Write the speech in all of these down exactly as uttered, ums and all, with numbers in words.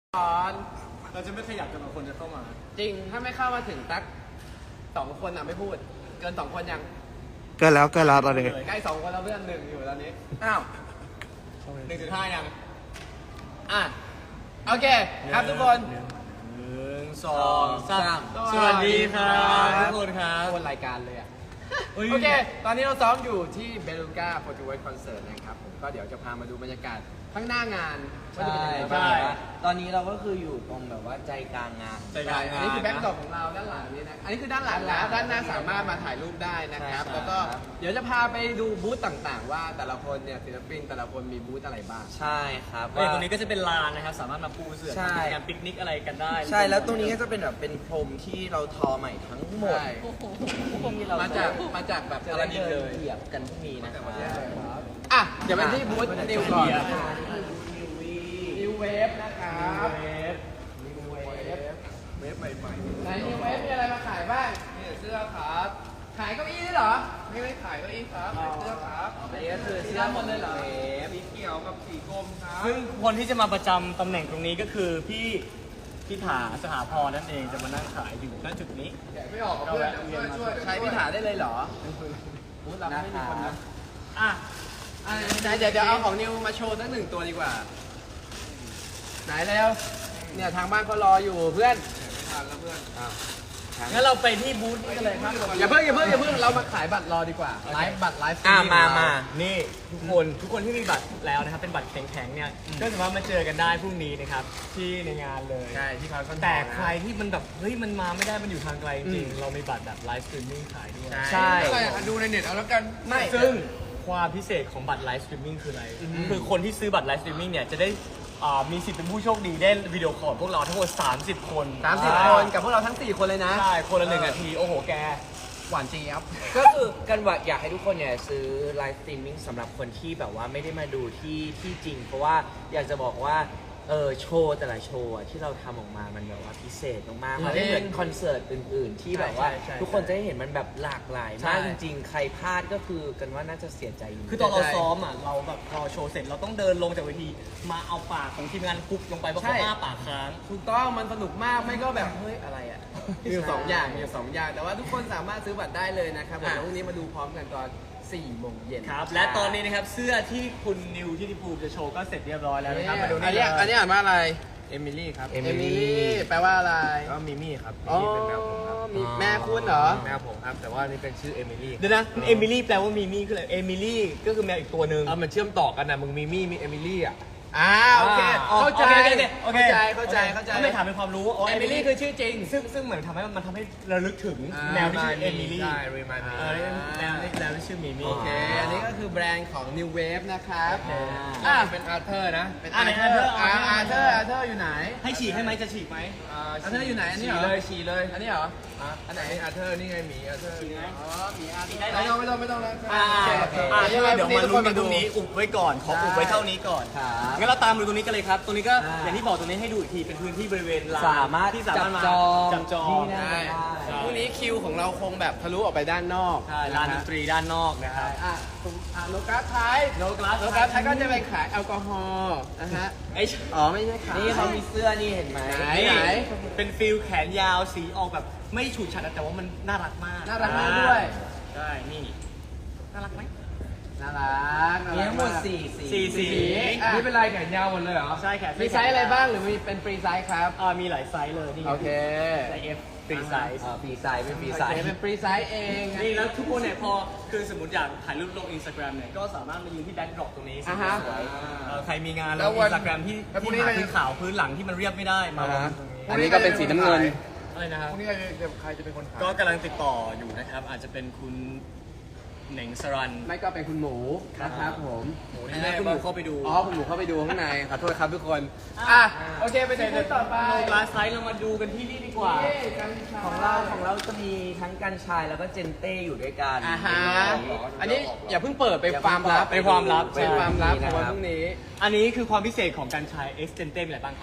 ก่อนเราจะไม่ขยับจนกว่าคนจะเข้ามาจริงถ้าไม่เข้ามาถึงตักสองคนอ่ะไม่พูดเกินสองคนยังเกินแล้วเกินแล้วตอนนี้ใกล้สองคนแล้วเพื่อนหนึ่งอยู่ตอนนี้อ้าวหนึ่งจุดห้ายังอ่ะโอเคครับทุกคนหนึ่งสองสามสวัสดีครับทุกคนครับคนรายการเลยอ่ะโอเคตอนนี้เราซ้อมอยู่ที่เบลูก้าโปรตุเกสคอนเสิร์ตนะครับผมก็เดี๋ยวจะพามาดูบรรยากาศข้างหน้างานว่าจะเป็นยังไงบ้างตอนนี้เราก็คืออยู่ตรงแบบว่าใจกลางงานใจกลางงานอันนี้คือแบ็คดรอปของเราด้านหลังนี้นะอันนี้คือด้านหลังแล้วด้านหน้าสามารถมาถ่ายรูปได้นะครับแล้วก็เดี๋ยวจะพาไปดูบูธต่างๆว่าแต่ละคนเนี่ยศิลปินแต่ละคนมีบูธอะไรบ้างใช่ครับว่าตรงนี้ก็จะเป็นลานนะครับสามารถมาปูเสื่อทำงานปิกนิกอะไรกันได้ใช่แล้วตรงนี้ก็จะเป็นแบบเป็นพรมที่เราทอใหม่ทั้งหมดพวกนี้เรามาจากมาจากแบบอะไรเลยเหยียบกันพวกนี้นะครับอ่ะเดี๋ยวไปที่บูธนิวก่อนนิวเวฟนะครับเวฟนิวเวฟเวฟใหม่ๆในนิวเวฟมีอะไรมาขายบ้างนี่เสื้อครับขายเก้าอี้ด้วยเหรอไม่ไม่ขายเก้าอี้ครับเสื้อครับอันนี้ก็คือเสื้อหมดเลยเหรอสีเขียวกับสีกรมครับซึ่งคนที่จะมาประจำตำแหน่งตรงนี้ก็คือพี่พี่ถาสหพรนั่นเองจะมานั่งขายอยู่ณจุดนี้แกะไม่ออกเพื่อนช่วยช่วยใช้พี่ถาได้เลยเหรอบูธเราไม่มีคนนะอ่ะเดี๋ยวเดี๋ยวเอาของนิวมาโชว์สักหนึ่งตัวดีกว่าไหนแล้วเนี่ยทางบ้านเขารออยู่เพื่อนไม่ทันแล้วเพื่อนงั้นเราไปที่บูธนี้กันเลยครับอย่าเพิ่งอย่าเพิ่งอย่าเพิ่งเรามาขายบัตรรอดีกว่าไลฟ์บัตรไลฟ์อ่ามามานี่ทุกคนทุกคนที่มีบัตรแล้วนะครับเป็นบัตรแข็งๆเนี่ยก็สามารถมาเจอกันได้พรุ่งนี้นะครับที่ในงานเลยใช่ที่พารากอนแต่ใครที่มันแบบเฮ้ยมันมาไม่ได้มันอยู่ทางไกลจริงเรามีบัตรแบบไลฟ์สตรีมมิ่งขายด้วยใช่ดูในเน็ตเอาแล้วกันไม่ซึ่งความพิเศษของบัตรไลฟ์สตรีมมิ่งคืออะไรคือคนที่ซื้อบัตรไลฟ์สตรีมมิ่งเนี่ยจะได้มีสิทธิ์เป็นผู้โชคดีได้วิดีโอคอลพวกเราทั้งหมดสามสิบคนสามสิบคนกับพวกเราทั้งสี่คนเลยนะใช่คนละหนึ่งนาทีโอ้โหแกหวานเจี๊ยบก็คือกันว่าอยากให้ทุกคนเนี่ยซื้อไลฟ์สตรีมมิ่งสำหรับคนที่แบบว่าไม่ได้มาดูที่ที่จริงเพราะว่าอยากจะบอกว่าเออโชว์แต่ละโชว์ที่เราทำออกมามันแบบว่าพิเศษมากๆมันไม่เหมือนคอนเสิร์ตอื่นๆที่แบบว่าทุกคนจะได้เห็นมันแบบหลากหลายมากจริงๆใครพลาดก็คือกันว่าน่าจะเสียใจอยู่คือตอนเราซ้อมอ่ะเราแบบพอโชว์เสร็จเราต้องเดินลงจากเวทีมาเอาปากของทีมงานคุกลงไปเพราะเขาอ้าปากค้างถูกต้องมันสนุกมากไม่ก็แบบเฮ้ยอะไรอ่ะมีสองอย่างมีสองอย่างแต่ว่าทุกคนสามารถซื้อบัตรได้เลยนะครับวันพรุ่งนี้มาดูพร้อมกันตอนสี่โมงเย็นครับและตอนนี้นะครับเสื้อที่คุณนิวที่ดิภูจะโชว์ก็เสร็จเรียบร้อยแล้วนะครับมาดูนี่อันนี้อ่านว่าอะไรเอมิลี่ครับเอมิลี่แปลว่าอะไรก็มิมี่ครับมิมี่เป็นแมวผมครับแม่คุณเหรอแมวผมครับแต่ว่านี่เป็นชื่อเอมิลี่เดี๋ยวนะเอมิลี่แปลว่ามิมี่คืออะไรเอมิลี่ก็คือแมวอีกตัวหนึ่งเออมันเชื่อมต่อกันนะมึงมิมี่มีเอมิลี่อ่ะอ่าโอเคเข้าใจเข้าใจเข้าใจเข้าใจไม่ถามเป็นความรู้เอมิลี่คือชื่อจริงซึ่งซึ่งเหมือนทำให้มันทำให้ระลึกถึงแมวที่ชื่อเอมิลี่ใช่รีมายมีแมวนี่แมวที่ชื่อมิมี่โอเคอันนี้ก็คือแบรนด์ของ New Wave นะครับอ่าเป็นอาร์เธอร์นะเป็นอาร์เธอร์อาร์เธอร์อาร์เธอร์อยู่ไหนให้ฉีกให้ไหมจะฉีกไหมอาร์เธอร์อยู่ไหนอันนี้เหรอเลยฉีกเลยอันนี้เหรออันไหนอาร์เธอร์นี่ไงหมีอาร์เธอร์อ๋อหมีอาร์เธอร์ไม่ต้องไม่ต้องไม่ต้องแล้วอ่าอ่าเดี๋ยวมาลุ้นกันตรงนี้อุบไว้ก่อนขออุบไว้เท่านี้ก่อนงั้นเราตามดูตรงนี้กันเลยครับตรงนี้ก็อย่างที่บอกตรงนี้ให้ดูอีกทีเป็นพื้นที่บริเวณลานสามารถที่สามารถมาจับจองได้พรุ่งนี้คิวของเราคงแบบทะลุออกไปด้านนอกใช่ลานดนตรีด้านนอกนะครับอ่ะโลกาสไทยโลกาสโลกาสไทยก็จะไปขายแอลกอฮอล์นะฮะอ๋อไม่ใช่ขายนี่เขามีเสื้อนี่เห็นไหมไหนไหนเป็นฟิลแขนยาวสีออกแบบไม่ฉูดฉาดแต่ว่ามันน่ารักมากน่ารักมากด้วยใช่นี่น่ารักไหมน่ารักมีทั้งหมดสี่สีสีนี่เป็นลายแขนยาวหมดเลยเหรอใช่แขนมีไซส์อะไรบ้างหรือมีเป็นฟรีไซส์ครับอ่ามีหลายไซส์เลยนี่โอเคไซส์ F ฟรีไซส์ฟรีไซส์เป็นฟรีไซส์เป็นฟรีไซส์เองนี่แล้วทุกคนเนี่ยพอคือสมมติอยากถ่ายรูปลงอินสตาแกรมเนี่ยก็สามารถมายืนที่แบ็คดรอปตรงนี้สวยๆใครมีงานแล้วอินสตาแกรมที่ที่หาพื้นขาวพื้นหลังที่มันเรียบไม่ได้มาอันนี้ก็เป็นสีน้ำเงินอะไรนะครับพวกนี้ใครจะเป็นคนขายก็กำลังติดต่ออยู่นะครับอาจจะเป็นคุณเหน่งสรันไม่ก็เป็นคุณหมูนะครับผมหมูนี่คุณหมูเข้าไปดูอ๋อคุณหมูเข้าไปดูข้างในขอโทษครับทุกคนอ่ะโอเคไปที่ต่อไปโลกาสไซส์เรามาดูกันที่นี่ดีกว่าของเราของเราจะมีทั้งกัญชายแล้วก็เจนเต้อยู่ด้วยกันอ่าฮะอันนี้อย่าเพิ่งเปิดไปความลับเป็นความลับเป็นความลับของวันพรุ่งนี้อันนี้คือความพิเศษของกัญชายเอ็กซ์เจนเต้มีอะไรบ้างครับ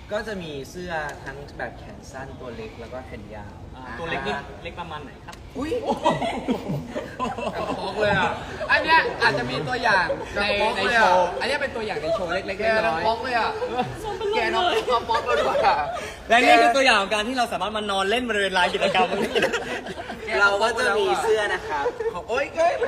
ก็จะมีเสื้อทั้งแบบแขนสั้นตัวเล็กแล้วก็แขนยาวตัวเล็กนี่เล็กประมาณไหนครับอุ้ยกระเลยอ่ะอันเนี้ยอาจจะมีตัวอย่างในในโชว์อันเนี้ยเป็นตัวอย่างในโชว์เล็กๆน้อยๆป๊อกเลยอ่ะแกน้องป๊อกเลยด้วยอ่ะและนี่คือตัวอย่างของการที่เราสามารถมานอนเล่นบริเวณลานกิจกรรมตรงนี้เราก็จะมีเสื้อนะครับของโอ๊ยเก้ย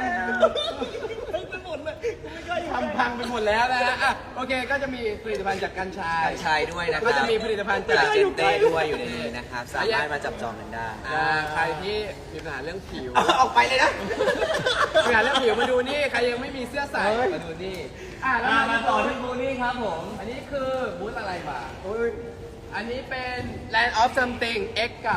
ทำพังไปหมดแล้วนะฮะอ่ะโอเคก็จะมีผลิตภัณฑ์จากกัญชากัญชายด้วยนะครับก็จะมีผลิตภัณฑ์จากจากเจนเต้ด้วยอยู่ในนี้นะครับ สามารถมาจับจองกันได้อ่าใครที่มีปัญหาเรื่องผิวออกไปเลยนะมีปัญหาเรื่องผิวมาดูนี่ใครยังไม่มีเสื้อใส่มาดูนี่อ่ะแล้วมามาต่อที่บูนี่ครับผมอันนี้คือบูธอะไรบ้างอันนี้เป็น Land of Something X กับ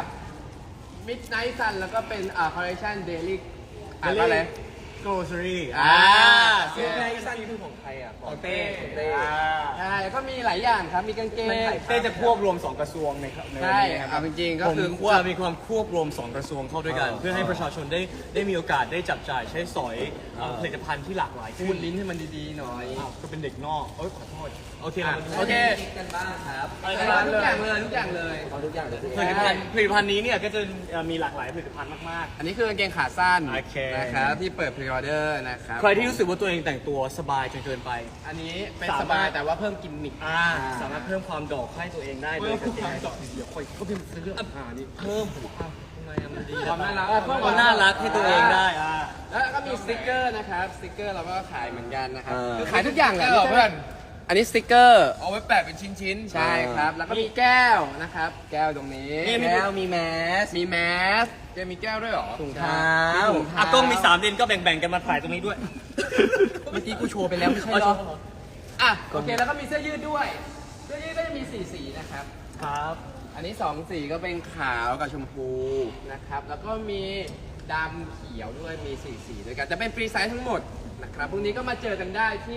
Midnight Sun แล้วก็เป็นอ่า Collection Daily อ่านว่าอะไร grocery อ่าเสื้อในสั้นคือของใครอ่ะของเต้ของเต้ใช่ก็มีหลายอย่างครับ มีกางเกงเต้จะควบรวมสองกระทรวงในครับในวันใช่นี้นะคเอารับจริงๆก็ผมคือควบจะมีความควบรวมสองกระทรวงเข้าด้วยกัน เพื่อให้ประชาชนได้ได้มีโอกาสได้จับจ่ายใช้สอยเอ่อผลิตภัณฑ์ที่หลากหลายพูดลิ้นให้มันดีๆหน่อยอ้าวก็เป็นเด็กนอกเอ้ยขอโทษโอเคเรามาดูโอเคกันบ้างครับอะไรทุกันบ้างกอย่างเลยทุกอย่างเลยขอทุกอย่างเลยผลิตภัณฑ์ผลิตภัณฑ์นี้เนี่ยก็จะเอ่อมีหลากหลายผลิตภัณฑ์มากอันนี้คือกางเกงขาสั้นโอเคนะครับที่เปิดพรีออเดอร์นะครับๆ ใครที่รู้สึกว่าตัวเองแต่งตัวสบายจนเกินไปอันนี้เป็นสามารถสบายแต่ว่าเพิ่มกิมมิคอ่าสามารถเพิ่มความดอกให้ตัวเองได้โดยการเดี๋ยวค่อยก็เป็นเรื่องอ่านี่เพิ่มทำไมอะมันดีความน่ารักความน่ารักให้ตัวเองได้อ่าแล้วก็มีสติกเกอร์นะครับสติกเกอร์เราก็ขายเหมือนกันนะครับเออคือขายทุกอย่างแหละสติ๊กเกอร์ไม่ใช่เพื่อนอันนี้สติกเกอร์เอาไว้แปะเป็นชิ้นๆใช่ครับ แล้วก็มีแก้วนะครับ แก้วตรงนี้แก้วมีแมสมีแมสแกมีแก้วด้วยเหรอถุงเท้าเท้าถุงเท้าอ่ะกล้องมีสามเลนก็แบ่งๆกันมาถ่ายตรงนี้ด้วยเมื่อกี้กูโชว์ไปแล้วไม่ใช่เหรออ่ะโอเคแล้วก็มีเสื้อยืดด้วย เสื้อยืดก็จะมีสี่สีนะครับครับอันนี้สองสีก็เป็นขาวกับชมพูนะครับ แล้วก็มีดำเขียวด้วย มีสี่สีด้วยกัน จะเป็นฟรีไซส์ทั้งหมดนะครับ พรุ่งนี้ก็มาเจอกันได้ที่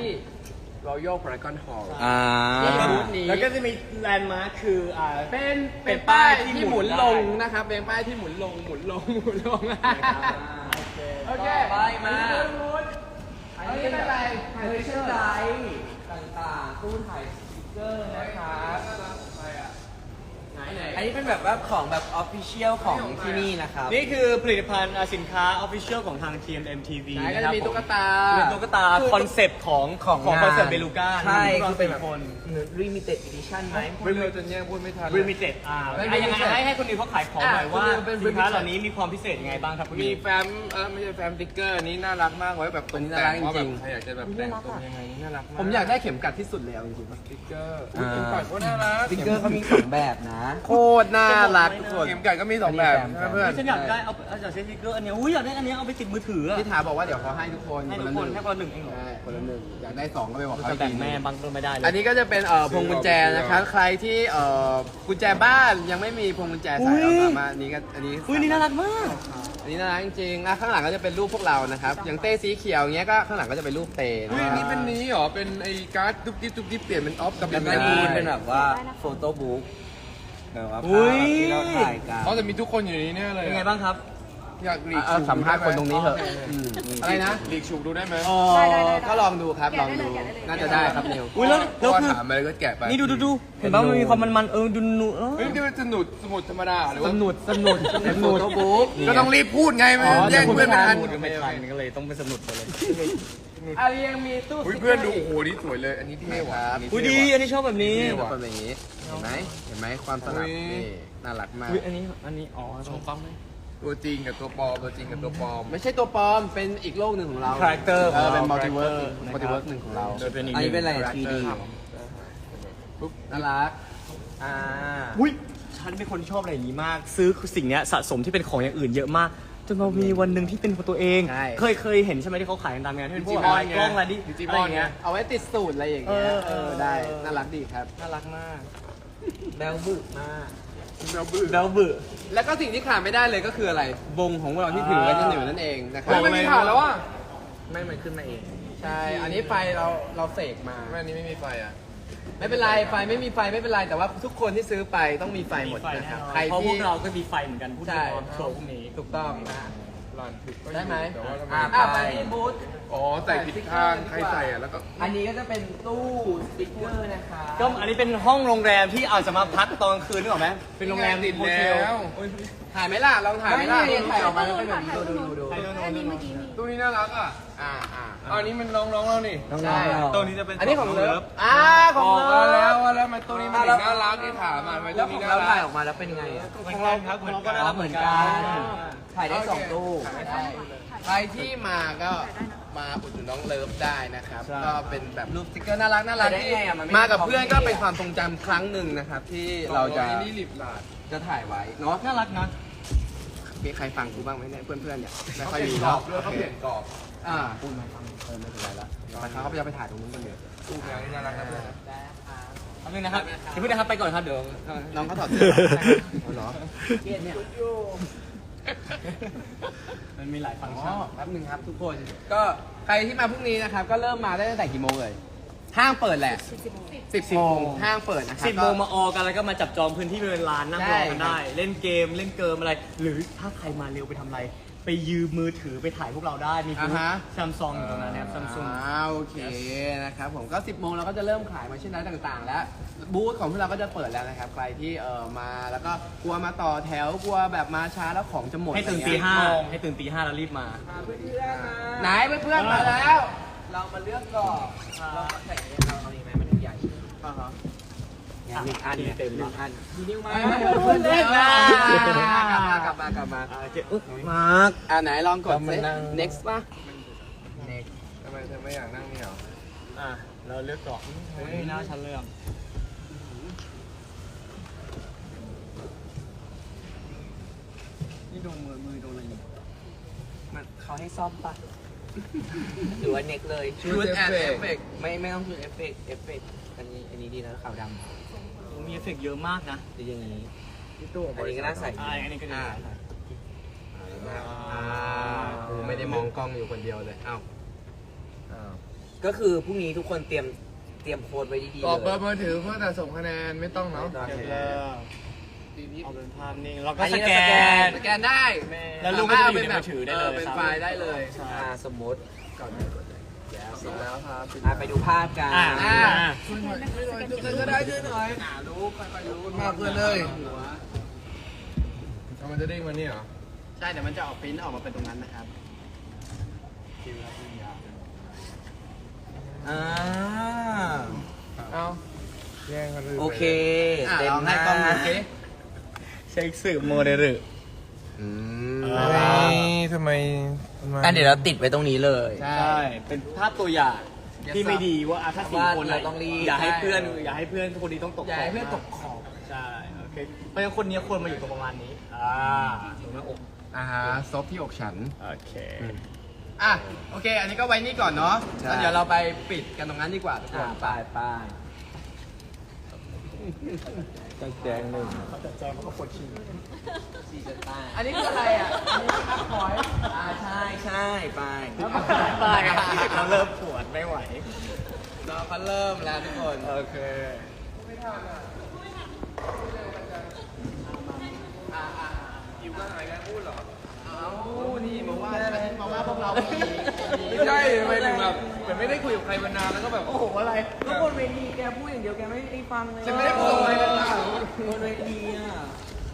Royal Paragon Hall อ่าที่บูธนี้แล้วก็จะมีแลนด์มาร์คคืออ่าเป็นเป็เป็นนป้าป้าย ยที่ที่หหมุมุนนลงได้นะครับ เป็นป้ายที่หมุนลง หมุนลง หมุนลง โอเคไปมาอันนี้เป็นอะไรเฮ้ยเชื่อไรต่างๆตู้ถ่ายสติ๊กเกอร์นะครับไหนไหนอันนี้เป็นแบบว่าของแบบออฟฟิเชียลของที่นี่นะครับนี่คือผลิตภัณฑ์อ่าสินค้าออฟฟิเชียลของทาง ที เอ็ม เอ็ม ที วีไหนก็นะคจะรับมีตุ๊กตาผมเป็นตุ๊กตาคอนเซปต์ของของของงานคอนเสิร์ตเบลูก้าใช่คืคือ อเป็เป็นนแบบคน limited edition ไหมไม่เลยจนแย่งพูดไม่ทันริมิเต็ดอ่าไม่อ่ะยังไง limited ให้ให้คนอื่นเขาขายของหน่อยอ่ะว่าคือเป็นสินค้า limited เหล่านี้มีความพิเศษยังไงบ้างครับคุณมีมีแฟ้มเออไม่ใช่แฟ้มติ๊กเกอร์อันนี้น่ารักมากไว้แบบตกแต่งว่าแบบใครอยากจะแบบแต่งตัวยังไงน่ารักมากผมอยากได้เข็มกัดที่สุดแล้วจริงๆสติ๊กเกอร์อุ๊ยเข็มกัดก็น่ารักสติ๊กเกอร์เขามีสองแบบนะโคตรน่ารักทุกคนเข็มกัดก็มีสองแบบอันนี้แฟ้มใช่ไหมเพื่อนฉันอยากได้เอาเอาจากเซนติเกอร์อันเนี้ยอุ้ยอยากได้อันเนี้ยเอาไปติดมือถืออะพี่ถาบอกว่าเดี๋ยวเขาให้ทุกคนให้คทุนกละคหนนึ่งให้คนละหนึ่งเองเหรอใช่คนละหนึ่งอยากได้สองก็ไปบอกเขาจะอีกแบ่งทีหแม่นึ่งบางก็ไม่ได้เลยอันนี้ก็จะเป็นเอ่อพวงกุญแจนะครับใครที่เอ่อกุญแจบ้านยังไม่มีพวงกุญแจใส่เราสามารถอันนี้ก็อันนี้อุ้ยนี่น่ารักมากอันนี้น่ารักจริงๆอ่ะข้างหลังก็จะเป็นรูปพวกเรานะครับอย่างเต้สีเขียวอย่างเงี้ยก็ข้างหลังก็จะเป็นรูปเต้นะอุ้ยอันนี้เป็นนี้เหรอ เป็นไอ้การ์ดตุ๊กติ๊บตุ๊กติ๊บเปลี่ยนเป็นออฟกับแล้วก็เป็นนี่เป็นแบบว่าโฟโต้บุ๊กแบบว่าอุ๊ภาย พที่เราถ่ายกันเขาจะมีทุกคนอยู่ในนี้แน่เลยเป็นไงบ้างครับอยากหลีกเอาฉุกสัมภาษณ์คนตรงนี้เถอะอืมอะไรนะหลีกฉุกดูได้ไหมอ๋อก็ลองดูครับลองดูน่าจะได้ครับนิวอุ้ยแล้วเพแล้วราะว่าคือถามอะไรก็แกะไปนี่ดูดูดูเห็นป่ะมันมีความมันมันๆเออดูนูเออเฮ้ยนี่มันสนุดสมุดธรรมดาหรือสว่านุดสนุดสนุดบุ๊กก็ต้องรีบพูดไงไม่อ๋อแย่งเพื่อนไม่ทันพูดกันไม่ทันก็เลยต้องเป็นสนุดไปเลยอารียังมีตู้อุ้ยสติ๊กกร์เพื่อนดูโอ้โหนี่สวยเลย อันนี้เท่ว่ะครับนนี้อุ้ยเท่ดีว่ะอันนี้ชอบแบบนี้นี่เป็นแบบนี้เห็นไหมเห็นไหมความสลับอุ๊ยนี่น่ารักมากอุ้ยอันนี้อันนี้อ๋อชมฟังไหมตัวจริงกับตัวปลอมตัวจริงกับตัวปลอมไม่ใช่ตัวปลอมเป็นอีกโลกหนึ่งของเรา Character เออเป็นของเรามัลติเวิร์ Character สมัลติเวิร์สหนึ่งของเราโดยเป็นอีกอันนี้เป็นอะไรหทรี ดีปุ๊บน่ารักอ่าอุ้ยฉันเป็นคนที่ชอบอะไรอย่างนี้มาก ซื้อสิ่งเนี้ยสะสมที่เป็นของอย่างอื่นเยอะมากจนมามีวันหนึ่งที่เป็นของตัวเองใช่เคยเคยเห็นใช่ไหมที่เขาขายกันตามงานที่เป็นพวกดิจิมอนอะไรกล้องอะไรดิดิจิมอะไรอนอย่างเงี้ยเอาไว้ติดสูตรอะไรอย่างเงี้ยเออเออได้น่ารักดีครับน่ารักมากแบลบึกมากเราบื้อแล้วบึแล้วก็สิ่งที่ขาดไม่ได้เลยก็คืออะไรวงของเราที่ถือไว้ที่หนึ่งนั่นเองนะครับเฮ้ยไม่มีถ่านแล้วอ่ะไม่มันขึ้นมาเองใช่ อันนี้ไฟเราเราเสกมาแม่อันนี้ไม่มีไฟอ่ะไม่เป็นไรไฟไม่มีไฟไม่เป็นไรแต่ว่าทุกคนที่ซื้อไปต้องมีไฟหมดนะครับใครเพราะพที่วกเราก็มีไฟเหมือนกันพูดใช่ถึงโชว์พวกนี้ถูกต้องนะหลานผิดได้ไหมแต่ว่าทำไมอ่ะอ่ะไปที่บูธอ๋อใส่ผิดข้างใครใส่อ่ะแล้วก็อันนี้ก็จะเป็นตู้สติ๊กเกอร์นะคะก็อันนี้เป็นห้องโรงแรมที่อาจจะมาพักตอนกลางคืนนึกออกไหมเป็นโรงแรมติดโฮเทแล้ลวถ่ายไหมล่ะลองถ่ายไหมล่ะถ่ายออกมาแล้วเป็นแบบนี้ดูดูดูดูอันนี้เมื่อกี้มีตู้นี้น่ารักอ่ะอ่าอ่าอันนี้มันน้องๆเรานี่ใช่ตัวนี้จะเป็นอันนี้ของเลิฟอ่าขอองอกเลิมาฟแล้วว่าแล้วมันตู้นี้มันถึงน่ารักที่ถามมาทำไมแล้ตู้วขนี้องน่าเรารัถ่ายกออกมาแล้วเป็นไงอ่ะของเราครับของเราก็น่ารักเหเหมืมืออน นกักัน นถ่ายได้สองตู้ถ่ายได้สใช่องตู้เลยใครที่มาก็มาอุดหนุนน้องเลิฟได้นะครับใช่ก็เป็นแบบรูปสติ๊กเกอร์น่ารักน่ารักได้ที่ไงอ่ะมันไม่มากับได้เพื่อนของก็พี่เป็นความทรงจำครั้งหนึ่งนะครับ ที่เราจะอันนี้หลิบหลาดจะถ่ายไว้เนาะน่ารักนะมีใครฟังกูบ้างไหมเนี่ยเพื่อนๆเนี่ยไม่เขาค่อยเปลี่ยมีนกรอเนาะบด้วยเขาเปลี่ยนกรอบอ่าคุณมาฟังเออไม่เป็นไรละไปเขาเขาจะไปถ่ายตรงนู้นกันเดี๋ยวตู้แมวนี่น่ารักนะเพื่อนนะทำนึงนะครับเดี๋ยวพี่นะครับไปก่อนครับเดี๋ยวน้องเขาถอดเสื้อเอาเหรอเครียดเนี่ยมันมีหลายฟังก์อ๋ชัอน แป๊บนึงครับทุกคนก็ใครที่มาพรุ่งนี้นะครับก็เริ่มมาได้ตั้งแต่กี่โมงเลยห้างเปิดแหละสิบโมงห้างเปิดนะครับสิบโมงมาออกันแล้วก็มาจับจองพื้นที่บริเวณลานนั่งรอกันได้ เล่นเกมเล่นเกิมอะไร หรือถ้าใครมาเร็วไปทำอะไร ไปยืมมือถือไปถ่ายพวกเราได้ มีบูธซัมซุงอยู่ตรงนั้นนะครับซัมซุงอ่าโอเคนะครับผมก็สิบโมงเราก็จะเริ่มขายมาเช่นนั้นต่างๆ แล้วบูธของพวกเราก็จะเปิดแล้วนะครับใครที่เออมาแล้วก็กลัวมาต่อแถวกลัวแบบมาช้าแล้วของจะหมดให้ตื่นอะไรตีเงี้ยห้าให้ตื่นตีห้าแล้วรีบมาไหนเพื่อนๆมาแล้ว เรามาเลือกก่อนเราใส่เราเอาดีไหมมันใหญ่อ่าฮะหนึ่งอันเต็มหนึ่งอันเพื่อนเลือกมากลับมากลับมากลับมาโอเคอุ๊ยมาร์คอ่าไหนลองกดเรามาสินั่ง next ป่ะทำไมเธอไม่อยากนั่งนี่หรออ่ะเราเลือกก่อนเฮ้ยหน้าฉันเลือกนี่โดนมือมือโดนอะไรอยู่มันเขาให้ซ่อมปะหรือว่าเน็กเลยชุดแอนเอฟเฟกไม่ไม่ต้องชุดเอฟเฟกต์เอฟเฟกต์อันนี้อันนี้ดีนะขาวดำมีเอฟเฟกต์เยอะมากนะหรืออย่างนี้ที่ตู้อันนี้ก็น่าใส่อ่าอันนี้ก็ดีอ่ากูไม่ได้มองกล้องอยู่คนเดียวเลยอ้าวก็คือพรุ่งนี้ทุกคนเตรียมเตรียมโค้ดไว้ดีๆกรอบเบเลอย ร์มือถือเพื่อแต่ส่งคะแนนไม่ต้องเนาะเดี๋ยวเริ่มเอาเป็นภาพนิ่งแล้วก็อันสนี้แกเราสแกนนสแกนได้แล้วรูปก็จะอยู่ในมือถือได้เลยเป็นไฟล์ได้เลยใช่อ่าสมมติเสร็จแล้วครับอ่าไปดูภาพกันอ่าอ่าช่วยหน่อยช่วยกันเก็บก็ได้ช่วยหน่อยหารู้ค่อยๆรู้มากเพื่อนเลยเอามันจะเด้งมานี่เหรอใช่เดี๋ยวมันจะออกปริ้นออกมาเป็นตรงนั้นนะครับอ่าเอาแย่งกันเลยโอเคอ่ะเต็ลมองหให้น้ากล้องดูสิเช็คสื่อโมเดลอืมอ่าทำไมอันเดี๋ยวเราติดไว้ตรงนี้เลยใช่ใช่ เป็นภาพตัวอย่างที่ไม่ดีว่าอ่ะถ้าสี่ว่าคนเราต้องรีบอย่าให้เพื่อนอย่าให้เพื่อนคนนี้ต้องตกอย่าให้เพื่อนตกขอบใช่โอเคเพราะฉะนั้นคนนี้ควรมาอยู่ตรงประมาณนี้อ่าตรงหน้าอกอ่าฮะซบที่อกฉันโอเคอ่ะโอเค อันนี้ก็ไว้นี่ก่อนเนาะใช่แล้วเดี๋ยวเราไปปิดกันตรงนั้นดีกว่าทุกคอ่าน ไปไปตั้งแจงหนึ่งเขาจัดแจงเขาก็ปวดฉี่สี่จนใต้อันนี้คืออะไรอ่ะ อันนี้คือพอยอ่าใช่ใช่ไปตายครับเราเริ่มปวดไม่ไหวเราก็เริ่มแล้วทุกคนโอเคอยู่ก็หายกันพูดเหรอเอานี่มาว่ามาว่าพวกเราไม่ดีไม่ใช่ทำไมถึงแบบเหมือนไม่ได้คุยกับใครมานานแล้วก็แบบโอ้โหอะไรก็บนเวทีแกพูดอย่างเดียวแกไม่ได้ฟังเลยฉันไม่ได้พูดอะไรเลยนะบนเวทีอ่ะ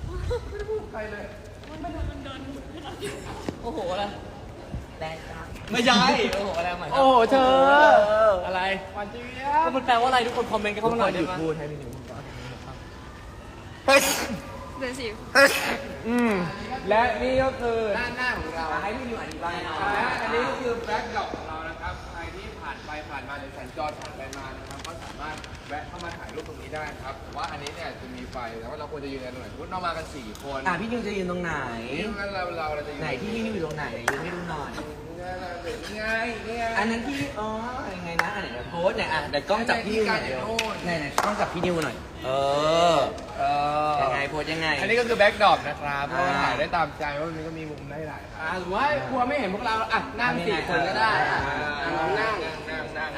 โอ้โหอะไรแรงจังไม่ใช่โอ้โหอะไรใหม่โอ้โหเธออะไรหวานเจี๊ยก็บมันแปลว่าอะไรทุกคนคอมเมนต์กันเข้ามาหน่อยหได้ยุดไหมพูดให้พี่หนุ่มเดือนสี่อืมและนี่ก็คือด้านหน้าของเราให้พี่หนุ่มอธิบายหน่อยและอันนี้ก็คือแบ็คดรอปของเรานะครับ ใครที่ผ่านไปผ่านมาหรือสัญจรผ่านไปมานะครับ ก็สามารถแวะเข้ามาถ่ายรูปตรงนี้ได้ครับแต่ว่าอันนี้เนี่ยจะมีไฟแต่ว่าเราควรจะยืนกันตรงไหนสมมติเรามากันสี่คนอ่ะพี่นิวจะยืนตรงไหนนี่งั้นเราเราเราจะยืนไหนที่พี่นิวอยู่ตรงไหนยืนให้ดูหน่อยนี่ไงนี่ไงอันนั้นที่อ๋อยังไงนะอันไหนเดี๋ยวโพสต์เนี่ยอ่ะเดี๋ยวกล้องจับพี่นิวหน่อยเดี๋ยวไหนไหนกล้องจับพี่นิวหน่อย เออเออยังไงโพสต์ยังไงอันนี้ก็คือแบ็คดรอปนะครับเพราะว่าอ่าถ่ายได้ตามใจว่ามันก็มีมุมได้หลายครับอ่าหรือว่ากลัวไม่เห็นพวกเรา อ่ะ นั่งสี่คนก็ได้ อ่ะอ่ะลองนั่งนั่งนั่งอ่ะนั่งเขานั่ง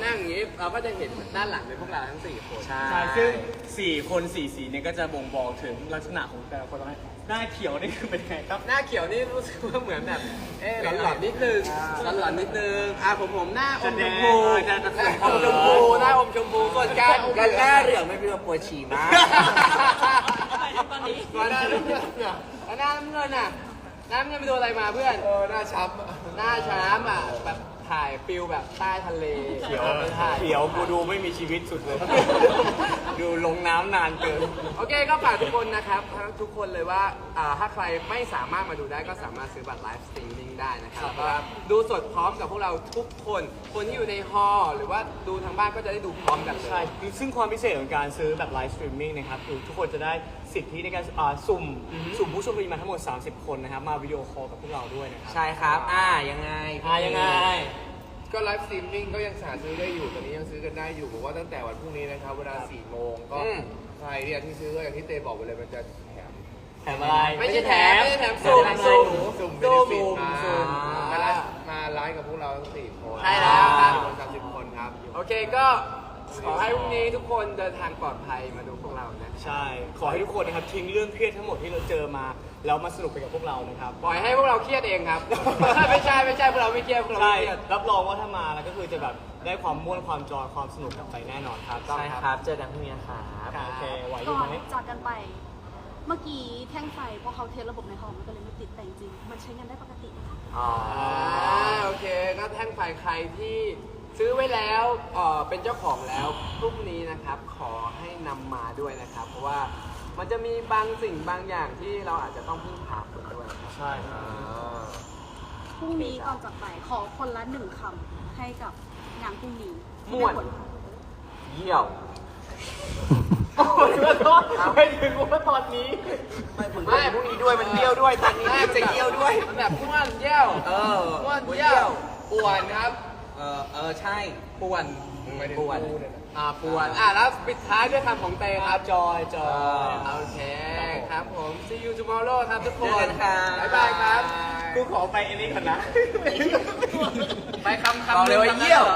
นั่งอย่างนี้เราก็จะเห็นด้านหลังเป็นพวกเราทั้งสี่คนใช่ใช่ซึ่งสี่คนสี่สีเนี่ยก็จะบ่งบอกถึงลักษณะของแต่ละคนว่าหน้าเขียวนี่คือเป็นไงครับหน้าเขียวนี่รู้สึกว่าเหมือนแบบเอ๊ะหลอนๆนิดนึงหลอนๆนิดนึงอ่ะผมผมหน้าอมชมพูจะจะจะอมชมพูหน้าอมชมพูส่วนการกันหน้าเหลืองไม่เป็นปวดฉี่มากตอนนี้หน้าน้ำเงินเนี่ยแล้วหน้าน้ำเงินอ่ะหน้าน้ำเงินไปโดนอะไรมาเพื่อนเออหน้าช้ำหน้าช้ำอ่ะแบบถ่ายฟิลแบบใต้ทะเลเขียวไม่ถ่ายเขียวกูดูไม่มีชีวิตสุดเลย ดูลงน้ำนานเกินโอเคก็ฝากทุกคนนะครับทั้งทุกคนเลยว่าอ่าถ้าใครไม่สามารถมาดูได้ก็สามารถซื้อบัตรไลฟ์สตรีมมิ่งได้นะครับแล้วก็ดูสดพร้อมกับพวกเราทุกคน คนที่อยู่ในฮอลล์หรือว่าดูทางบ้านก็จะได้ดูพร้อมกันเลยใช่ซึ่งความพิเศษของการซื้อแบบไลฟ์สตรีมมิ่งนะครับคือทุกคนจะได้สิทธิในการอ่าสุ่มสุ่มผู้โชคดีมาทั้งหมด สามสิบ คนนะครับ มาวิดีโอคอลกับพวกเราด้วยนะครับใช่ครับ อ่า ยังไงอ่ายังไงก็ไลฟ์สตรีมมิ่งก็ยังหาซื้อได้อยู่ตอนนี้ยังซื้อกันได้อยู่บอกว่าตั้งแต่วันพรุ่งนี้นะครับเวลาสี่โมงก็อืมใครเนี่ยที่ซื้อก็อย่างที่เตบอกไปเลยมันจะแถมแถมอะไรไม่ใช่แถมไม่ใช่แถมสุ่มสุ่มสุ่มสุ่มสุ่มสุ่มมาไลฟ์มาไลฟ์กับพวกเราทั้งสี่คนใช่แล้วครับคนสามสิบคนครับโอเคก็ขอให้พรุ่งนี้ทุกคนเดินทางปลอดภัยมาดูพวกเรานะใช่ ขอให้ทุกคนนะครับทิ้งเรื่องเครียดทั้งหมดที่เราเจอมา แล้วมาสนุกไปกับพวกเรานะครับปล่อยให้พวกเราเครียดเองครับ ไม่ใช่ไม่ใช่พวกเราไม่เครียดพวกเราใช่ไม่เครียดรับรองว่าถ้ามาแล้วก็คือจะแบบได้ความม่วนความจอยความสนุกกลับไปแน่นอนครับใช่ครับ เจอกันพรุ่งนี้ครับโอเคไหวอก่ยู่อนไหมจากกันไป เมื่อกี้แท่งไฟพอเขาเทสระบบในห้องมันก็เลยไม่ติดแต่จริงๆมันใช้งานได้ปกตินะคะอ๋ออ่าโอเคก็แท่งไฟใครที่ซื้อไว้แล้วเอ่อเป็นเจ้าของแล้วพรุ่งนี้นะครับ ขอให้นำมาด้วยนะครับ เพราะว่ามันจะมีบางสิ่งบางอย่างที่เราอาจจะต้องพึ่งพาคนด้วยครับใช่พรุ่งนี้ก่อนจากไปขอคนละหนึ่งคำให้กับงานพรุ่งนี้ม่วนเยี่ยวโอ้ยขอโทษไม่ถึงว่าตอนนี้ไม่พรุ่งนี้ด้วยมันเยี่ยวด้วยตอนนี้จะเยี่ยวด้วยมันแบบม่วนเยี่ยวเออม่วนเยี่ยวป่วนครับเออ เออ ใช่ป่วนไม่ถึงป่วนกูเนี่ยนะอ่าป่วนอ่าแล้วปิดท้ายด้วยคำของเตครับจอยจอยโอเคครับผม see you tomorrow ครับทุกคนเจอกันครับบ๊ายบายครับกูขอไปอันนี้ก่อนนะไปคำคำบอกเลยว่าเยี่ยว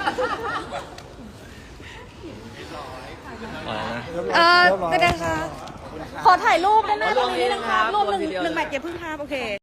เออเป็นไงคะขอถ่ายรูปด้านหน้าตรงนี้นิดนึงครับรูปหนึ่งหนึ่งแมทอย่าเพิ่งภาพโอเค